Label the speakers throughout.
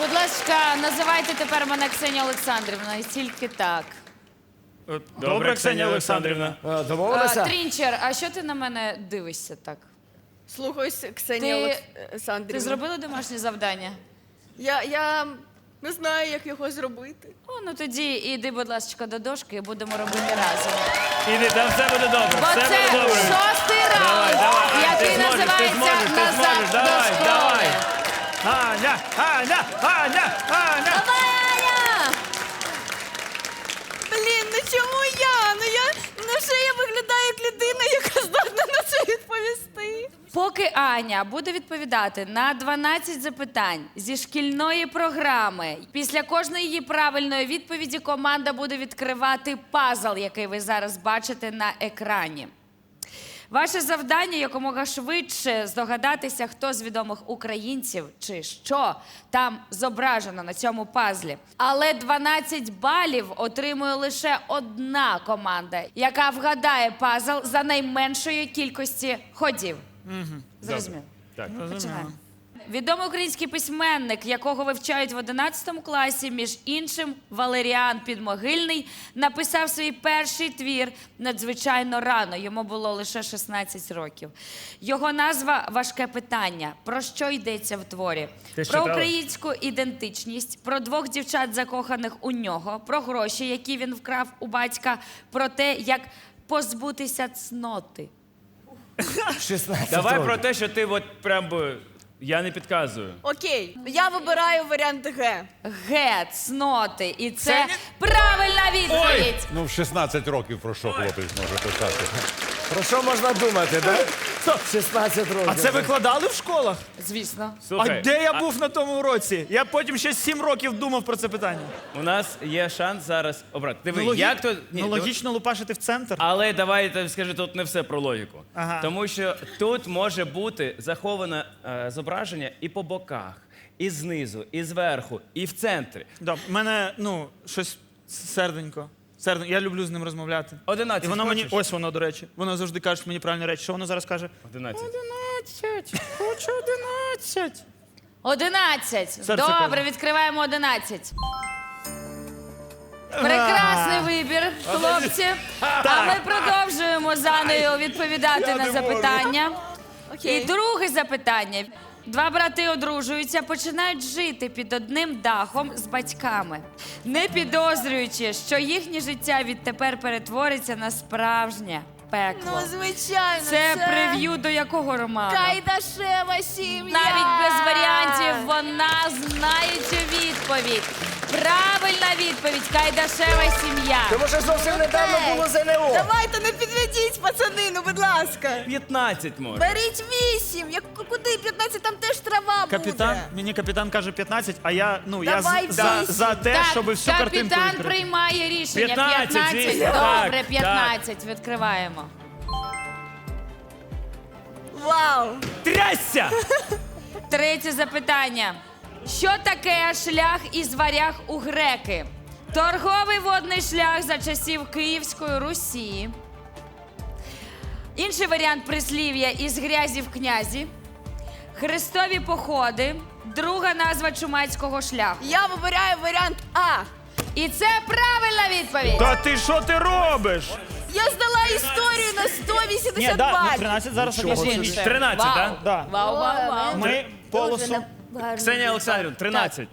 Speaker 1: Будь ласка, називайте тепер мене Ксенія Олександрівна, і тільки так.
Speaker 2: Добре, Ксенія Олександрівна.
Speaker 3: Домовилися?
Speaker 1: Трінчер, а що ти на мене дивишся так?
Speaker 4: Слухаюсь, Ксенія
Speaker 1: Ти
Speaker 4: Олександрівна.
Speaker 1: зробила домашнє завдання?
Speaker 4: Я не знаю, як його зробити.
Speaker 1: О, ну тоді іди, будь ласка, до дошки і будемо робити разом.
Speaker 2: Іди, там все буде добре,
Speaker 1: Бо
Speaker 2: все
Speaker 1: це
Speaker 2: буде добре.
Speaker 1: шостий раунд,
Speaker 2: Давай,
Speaker 1: який
Speaker 2: ти зможеш,
Speaker 1: називається
Speaker 2: ти
Speaker 1: «Назад
Speaker 2: зможеш,
Speaker 1: до
Speaker 2: давай,
Speaker 1: школи».
Speaker 2: давай. Аня, Аня, Аня, Аня.
Speaker 4: Блін, ну чому я? Невже я виглядаю як людина, яка здатна на це відповісти?
Speaker 1: Поки Аня буде відповідати на 12 запитань зі шкільної програми, після кожної її правильної відповіді команда буде відкривати пазл, який ви зараз бачите на екрані. Ваше завдання якомога швидше здогадатися, хто з відомих українців чи що там зображено на цьому пазлі. Але 12 балів отримує лише одна команда, яка вгадає пазл за найменшої кількості ходів. Зрозуміло?
Speaker 2: Так.
Speaker 1: Починаємо. Відомий український письменник, якого вивчають в 11 класі, між іншим Валеріан Підмогильний, написав свій перший твір надзвичайно рано, йому було лише 16 років. Його назва «Важке питання». Про що йдеться в творі?
Speaker 2: Ти
Speaker 1: Про
Speaker 2: читала?
Speaker 1: українську ідентичність, про двох дівчат, закоханих у нього, про гроші, які він вкрав у батька, про те, як позбутися цноти.
Speaker 3: 16
Speaker 2: Давай
Speaker 3: років.
Speaker 2: про те, що ти от прям би... Я не підказую.
Speaker 4: Окей, я вибираю варіант Г.
Speaker 1: Г, цноти. І це правильна відповідь.
Speaker 5: Ну, в 16 років про що хлопець може писати?
Speaker 3: Про що можна думати, да? 16 років.
Speaker 6: А це викладали в школах?
Speaker 1: Звісно.
Speaker 2: Слухай,
Speaker 6: А де я був на тому уроці? Я потім ще 7 років думав про це питання.
Speaker 2: у нас є шанс зараз обрати. Диви, як то... Ні,
Speaker 6: Ну, логічно лупашити в центр.
Speaker 2: Але давай я тобі скажу, тут не все про логіку.
Speaker 6: Ага.
Speaker 2: Тому що тут може бути заховане зображення і по боках, і знизу, і зверху, і в центрі.
Speaker 6: Да, в мене, щось серденько. Я люблю з ним розмовляти.
Speaker 2: 11
Speaker 6: І воно мені,
Speaker 2: хочеш?
Speaker 6: ось воно, до речі. Воно завжди каже мені правильні речі. Що воно зараз каже?
Speaker 2: 11.
Speaker 6: 11, хочу 11.
Speaker 1: 11.
Speaker 6: Серце
Speaker 1: Добре,
Speaker 6: каже.
Speaker 1: відкриваємо 11. Прекрасний вибір, хлопці. А ми продовжуємо з Анею відповідати на запитання.
Speaker 4: Окей.
Speaker 1: І друге запитання. Два брати одружуються, починають жити під одним дахом з батьками, не підозрюючи, що їхнє життя відтепер перетвориться на справжнє пекло.
Speaker 4: Ну, звичайно,
Speaker 1: Це прев'ю до якого роману?
Speaker 4: Кайдашева сім'я.
Speaker 1: Навіть без варіантів вона знає цю відповідь. Правильна відповідь – Кайдашева сім'я.
Speaker 3: Тому що зовсім недавно було ЗНО.
Speaker 4: Давайте не підведіть, пацани, ну будь ласка.
Speaker 2: 15 може.
Speaker 4: Беріть 8. Куди 15, там теж трава
Speaker 6: Капітан,
Speaker 4: буде.
Speaker 6: мені капітан каже 15, а я
Speaker 4: Давай
Speaker 6: за,
Speaker 4: вісім.
Speaker 6: за те, щоб всю картинку
Speaker 1: капітан
Speaker 6: відкрити.
Speaker 1: приймає рішення.
Speaker 2: 15, звісно.
Speaker 1: Добре,
Speaker 2: Так,
Speaker 1: 15. Відкриваємо.
Speaker 4: Вау.
Speaker 2: Трясся!
Speaker 1: Третє запитання. Що таке шлях із варяг у греки? Торговий водний шлях за часів Київської Русі. Інший варіант прислів'я із грязі в князі. Хрестові походи. Друга назва чумацького шляху.
Speaker 4: Я вибираю варіант А.
Speaker 1: І це правильна відповідь.
Speaker 6: Та ти що ти робиш?
Speaker 4: Я здала історію на 180
Speaker 6: Ні, да,
Speaker 4: балів.
Speaker 6: 13 зараз
Speaker 1: Між
Speaker 6: оголошую.
Speaker 1: іншим.
Speaker 2: 13,
Speaker 1: Вау.
Speaker 2: да?
Speaker 6: Да.
Speaker 1: Вау, вау, вау.
Speaker 6: Ми полосу.
Speaker 2: Ксенія Олександрівна, 13.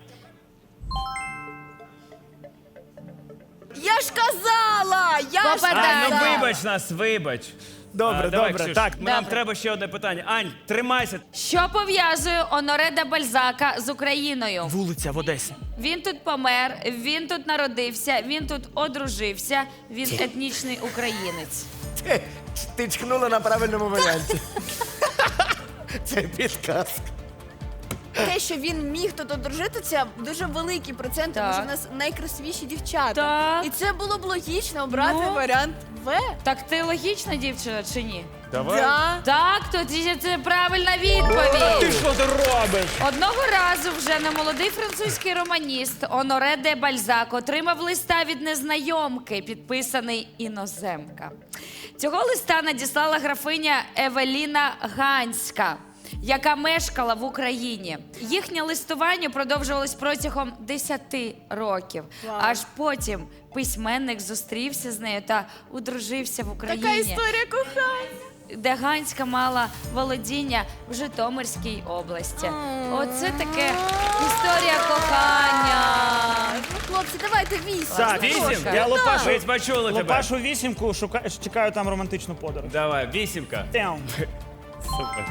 Speaker 4: Я ж казала! Я ж
Speaker 1: Попадаю.
Speaker 2: Ну
Speaker 4: казала!
Speaker 2: вибач нас, вибач.
Speaker 6: Добре,
Speaker 2: Давай,
Speaker 6: добре.
Speaker 2: Ксюш,
Speaker 6: Так,
Speaker 2: нам
Speaker 1: Добре.
Speaker 2: треба ще одне питання. Ань, тримайся.
Speaker 1: Що пов'язує Оноре де Бальзака з Україною?
Speaker 6: вулиця в Одесі.
Speaker 1: Він тут помер, він тут народився, він тут одружився, він етнічний українець.
Speaker 3: Ти чкнула на правильному варіанті. Це підказка.
Speaker 4: Те, що він міг тут одружити, це дуже великий процент, тому
Speaker 1: Так.
Speaker 4: що в нас найкрасивіші дівчата.
Speaker 1: Так.
Speaker 4: І це було б логічно обрати
Speaker 1: Ну.
Speaker 4: варіант В.
Speaker 1: Так ти логічна дівчина чи ні?
Speaker 2: Давай.
Speaker 4: Да.
Speaker 1: Так, тоді це правильна відповідь.
Speaker 6: Що ти робиш?
Speaker 1: Одного разу вже немолодий французький романіст Оноре де Бальзак отримав листа від незнайомки, підписаний «Іноземка». Цього листа надіслала графиня Евеліна Ганська. яка мешкала в Україні. Їхнє листування продовжувалось протягом 10 років. Аж потім письменник зустрівся з нею та одружився в Україні.
Speaker 4: Така історія кохання.
Speaker 1: Де Ганська мала володіння в Житомирській області. Оце таке історія кохання.
Speaker 4: Ну, хлопці, давайте 8.
Speaker 6: Так,
Speaker 2: Вісім?
Speaker 6: Я лопашу,
Speaker 2: Ви почули тебе.
Speaker 6: лопашу вісімку, чекаю там романтичну подорож.
Speaker 2: Давай, 8.
Speaker 6: Тем.
Speaker 2: Супер.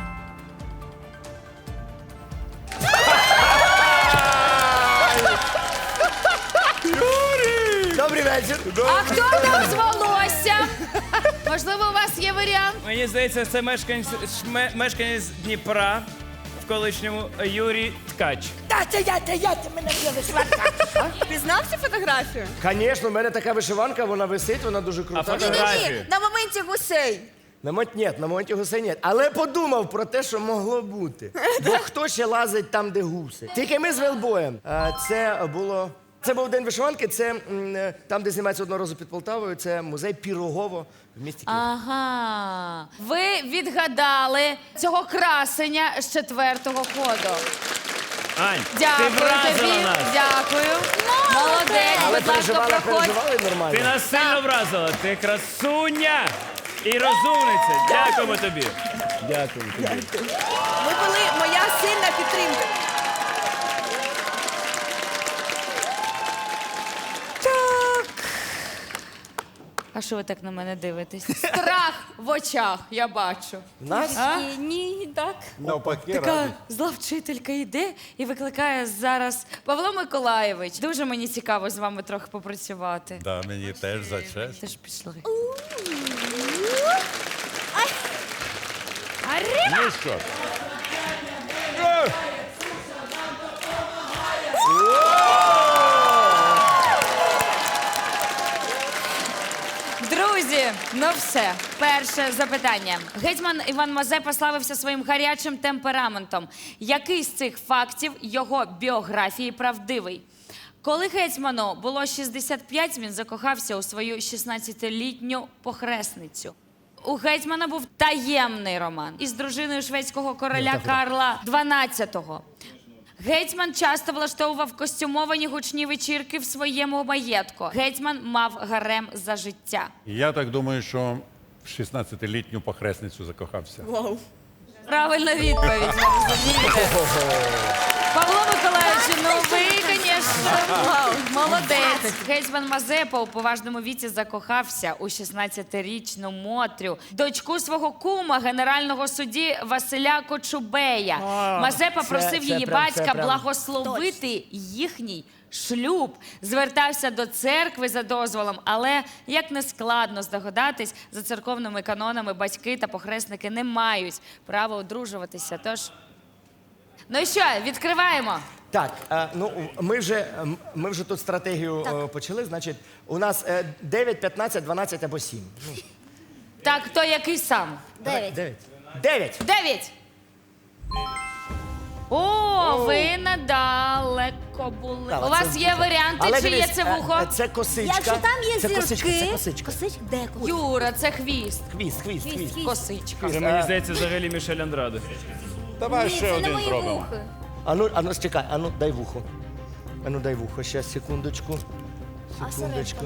Speaker 3: Добрий вечір.
Speaker 1: А хто там з волоссям? Можливо, у вас є варіант?
Speaker 2: Мені здається, це мешканець Дніпра в колишньому Юрій Ткач.
Speaker 4: Пізнав цю фотографію?
Speaker 3: Звісно, в мене така вишиванка, вона висить, вона дуже
Speaker 2: А
Speaker 3: крута.
Speaker 2: фотографії?
Speaker 4: На моменті гусей.
Speaker 3: На моменті гусей ні. Але подумав про те, що могло бути. Бо хто ще лазить там, де гуси? Тільки ми з Велбоєм. Це був день вишиванки, це там, де знімається одного разу під Полтавою, це музей Пірогово в місті Києві.
Speaker 1: Ага. Ви відгадали цього красення з 4-го ходу.
Speaker 2: Ань, ти
Speaker 1: Дякую
Speaker 2: вразила
Speaker 1: тобі.
Speaker 2: нас.
Speaker 1: Дякую. Молодець,
Speaker 3: Але
Speaker 1: будь ласка, проходь.
Speaker 3: переживали нормально.
Speaker 2: Ти нас сильно вразила. Ти красуня і розумниця. Дякуємо тобі.
Speaker 3: Дякую тобі.
Speaker 4: Ви були моя сильна підтримка.
Speaker 1: А що ви так на мене дивитесь? Страх в очах, я бачу.
Speaker 3: Нас?
Speaker 1: А?
Speaker 4: Ні, так.
Speaker 5: Навпаки,
Speaker 1: Така
Speaker 5: радий.
Speaker 1: зла вчителька йде і викликає зараз Павло Миколаєвич. Дуже мені цікаво з вами трохи попрацювати.
Speaker 5: Да, мені теж за честь.
Speaker 1: Теж пішли.
Speaker 5: Ну що?
Speaker 1: Друзі, ну все. Перше запитання. Гетьман Іван Мазепа славився своїм гарячим темпераментом. Який з цих фактів його біографії правдивий? Коли гетьману було 65, він закохався у свою 16-літню похресницю. У гетьмана був таємний роман із дружиною шведського короля Карла XII. Гетьман часто влаштовував костюмовані гучні вечірки в своєму маєтку. Гетьман мав гарем за життя.
Speaker 5: Я так думаю, що в 16-літню похресницю закохався.
Speaker 1: Правильна відповідь, ви розумієте? Павло Миколаївич, ну ви, звісно, молодець. Гетьман Мазепа у поважному віці закохався у 16-річну Мотрю, дочку свого кума, генерального судді Василя Кочубея. Мазепа просив її батька благословити їхній шлюб. Звертався до церкви за дозволом, але, як не складно здогадатись, за церковними канонами батьки та похресники не мають права одружуватися. Тож, ну і що, відкриваємо.
Speaker 3: Так, ми вже тут стратегію почали. Значить, у нас 9, 15, 12 або 7.
Speaker 1: Так, хто який сам?
Speaker 3: 9. 9.
Speaker 1: 9. О, ви недалеко були.
Speaker 3: Так,
Speaker 1: У вас
Speaker 3: це-
Speaker 1: є варіанти,
Speaker 3: Але
Speaker 1: чи є
Speaker 3: дивись,
Speaker 1: це вухо?
Speaker 3: Це косичка.
Speaker 4: Якщо там є
Speaker 3: це
Speaker 4: зірки,
Speaker 3: косичка, це косичка.
Speaker 4: де кут?
Speaker 1: Юра, це хвіст.
Speaker 3: Хвіст.
Speaker 1: Косичка.
Speaker 2: Це мені здається взагалі Мішель Андраде.
Speaker 5: Давай
Speaker 4: Ні,
Speaker 5: ще
Speaker 4: це не
Speaker 5: один
Speaker 4: мої
Speaker 5: зробимо.
Speaker 4: вухи.
Speaker 3: Ану, чекай, дай вухо. Дай вухо, ще секундочку. Секундочку.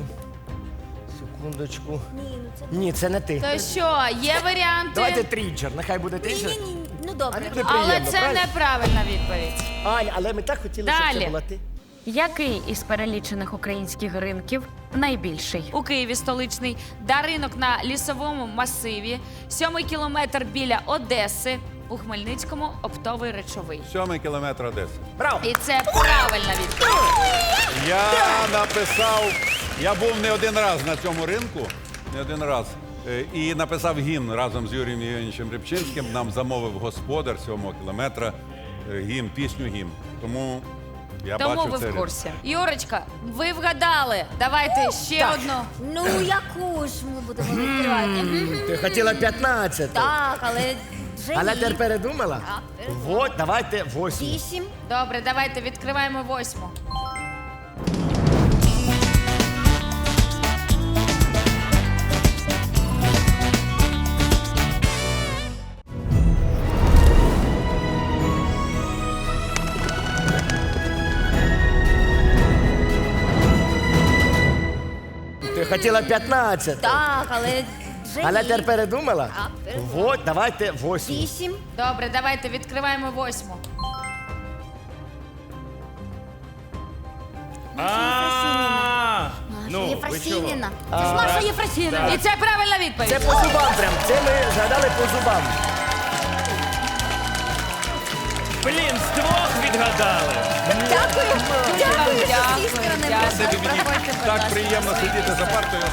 Speaker 3: Ні, це не ти.
Speaker 1: То що, є варіанти?
Speaker 3: Давайте трінчер, нехай буде трінчер.
Speaker 4: Ні, ну добре.
Speaker 3: Неприємно,
Speaker 1: Але це
Speaker 3: правильно?
Speaker 1: неправильна відповідь.
Speaker 3: Ань, але ми так хотіли, щоб
Speaker 1: Далі.
Speaker 3: це була ти.
Speaker 7: Який із перелічених українських ринків найбільший?
Speaker 1: У Києві столичний, ринок на лісовому масиві, 7-й кілометр біля Одеси, у Хмельницькому оптовий речовий.
Speaker 5: 7 кілометр Одеси.
Speaker 3: Браво!
Speaker 1: І це правильна відповідь.
Speaker 5: Я був не один раз на цьому ринку, не один раз. І написав гімн разом з Юрієм Євгеновичем Рибчинським. Нам замовив господар 7 кілометра пісню гімн. Тому я
Speaker 1: Тому
Speaker 5: бачив
Speaker 1: ви
Speaker 5: це.
Speaker 1: в курсі. Юрочка, ви вгадали. Давайте ще одну.
Speaker 4: Ну, яку ж ми будемо відкривати?
Speaker 3: Ти хотіла 15.
Speaker 4: Так, але вже
Speaker 3: Але
Speaker 4: ні.
Speaker 3: тепер передумала?
Speaker 4: Так,
Speaker 3: Вот, давайте 8.
Speaker 4: 8.
Speaker 1: Добре, давайте відкриваємо 8.
Speaker 3: хотіла 15.
Speaker 4: Так, але вже
Speaker 3: Але
Speaker 4: ні.
Speaker 3: тепер передумала?
Speaker 4: Так, передумала.
Speaker 3: Вот, давайте 8.
Speaker 4: 8.
Speaker 1: Добре, давайте відкриваємо 8.
Speaker 2: Ну,
Speaker 4: Маша
Speaker 2: ви
Speaker 4: Єфросініна.
Speaker 2: чого?
Speaker 4: Це ж Маша Єфросініна.
Speaker 1: І це правильна відповідь.
Speaker 3: Це по зубам прям. Це ми згадали по зубам.
Speaker 2: Блін, з двох відгадали.
Speaker 4: Дякую. Дякую, що з
Speaker 1: Дякую,
Speaker 4: цієї сторони.
Speaker 1: дякую.
Speaker 5: Тобі мені
Speaker 1: Проходьте, будь
Speaker 5: так
Speaker 1: ласка.
Speaker 5: приємно сидіти за партою.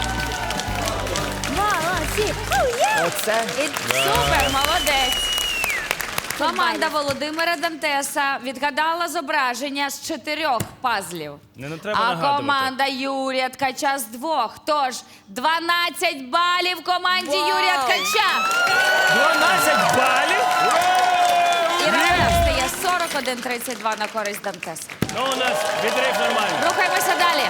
Speaker 4: Молодці.
Speaker 3: Оце.
Speaker 1: Супер, молодець. Команда Володимира Дантеса відгадала зображення з 4 пазлів.
Speaker 2: Не треба
Speaker 1: А
Speaker 2: нагадувати.
Speaker 1: команда Юрія Ткача з 2. Тож 12 балів команді Юрія Ткача.
Speaker 2: 12 балів?
Speaker 1: І рахунок стає 41-32 на користь Дантеса.
Speaker 2: Ну, у нас відрив нормальний.
Speaker 1: Рухаємося далі.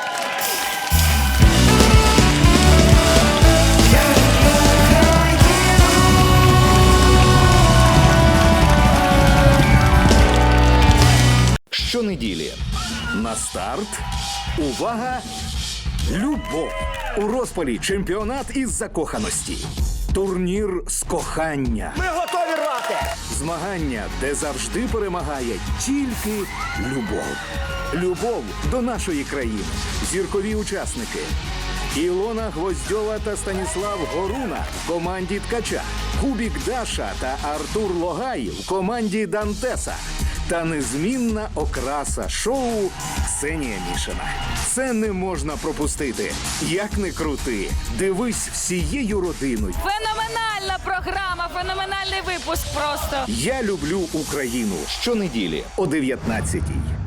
Speaker 8: Щонеділі на старт. Увага! Любов! У розпалі чемпіонат із закоханості. Турнір з кохання.
Speaker 3: Ми готові рвати.
Speaker 8: Змагання, де завжди перемагає тільки любов. Любов до нашої країни. Зіркові учасники. Ілона Гвоздьова та Станіслав Горуна в команді Ткача. Кубік Даша та Артур Логай в команді Дантеса. Та незмінна окраса шоу Ксенія Мішина. Це не можна пропустити. Як не крути, дивись всією родиною.
Speaker 1: Феноменальна програма, феноменальний випуск просто.
Speaker 8: Я люблю Україну. Щонеділі о 19-й.